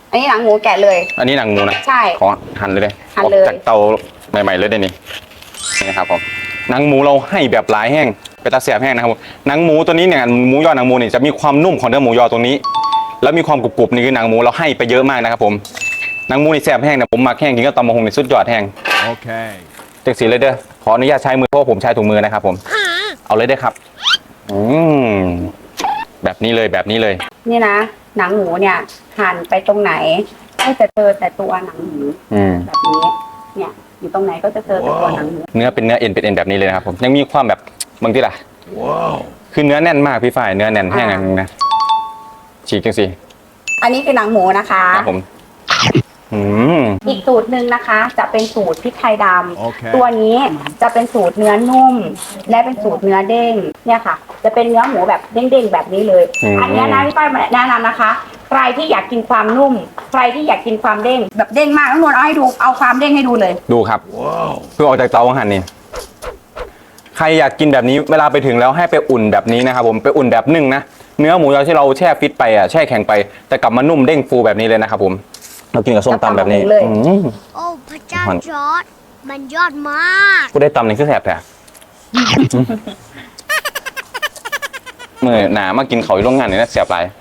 อันนี้หนังหมูแกะเลยอันนี้หนังหมูนะใช่ขอหั่นเลยเลยหั่นเลยออกจากเตาใหม่ๆเลยได้นี่นะครับผมหนังหมูเราให้แบบหลายแห้งไปตาเสียบแห้งนะครับผมหนังหมูตัวนี้เนี่ยหมูยอหนังหมูเนี่ยจะมีความนุ่มของเนื้อหมูยอตรงนี้ แล้วมีความกรุบๆนี่คือหนังหมูเราให้ไปเยอะมากนะครับผมหนังหมูนี่แซ่บแห้งเนี่ยผมมักแห้งกินก็ตำมะฮงในสุดยอดแห้ง Okay. จังสีเลยเด้อขออนุญาตใช้มือเพราะว่าผมใช้ถุงมือนะครับผมเอาเลยเด้อครับแบบนี้เลยแบบนี้เลยนี่นะหนังหมูเนี่ยหั่นไปตรงไหนให้จะเจอแต่ตัวหนังหมู แบบนี้เนี่ยอยู่ตรงไหนก็จะเจอแต่ตัวหนังหมูเนื้อเป็นเนื้อเอ็นเป็นเอ็นแบบนี้เลยนะครับผมยังมีความแบบบางทีล่ะ Wow. คือเนื้อแน่นมากพี่ฝ่ายเนื้อแน่นแห้งอันนึงนะฉีกจังสิอันนี้คือหนังหมูนะคะครับผมอีกสูตรหนึ่งนะคะ จะเป็นสูตรพริกไทยดโอเคำตัวนี้จะเป็นสูตรเนื้อนุ่ม และเป็นสูตรเนื้อเด้งเนี่ยค่ะ จะเป็นเนื้อหมูแบบเด้งๆแบบนี้เลย อันนี้นะพี่ป้ายแนะนำนะคะ ใครที่อยากกินความนุ่ม ใครที่อยากกินความเด้งแบบเด้งมากน้องนวลเอาให้ดูเอาความเด้งให้ดูเลยดูครับ Wow. เพิ่งออกจากเตาหั่นนี่ใครอยากกินแบบนี้เวลาไปถึงแล้วให้ไปอุ่นแบบนี้นะครับผมไปอุ่นแบบนึ่งนะเนื้อหมูยอที่เราแช่ฟิตไปอ่ะแช่แข็งไปแต่กลับมานุ่มเด้งฟูแบบนี้เลยนะครับผมเรากินกับส้มตำแบบนี้เลยโอ้พระเจ้าจอร์ดมันยอดมากกูได้ตำนี่คือแสบแต่เมื่อหนามากินเขาอยู่โรงงานนี่นะแสบหลาย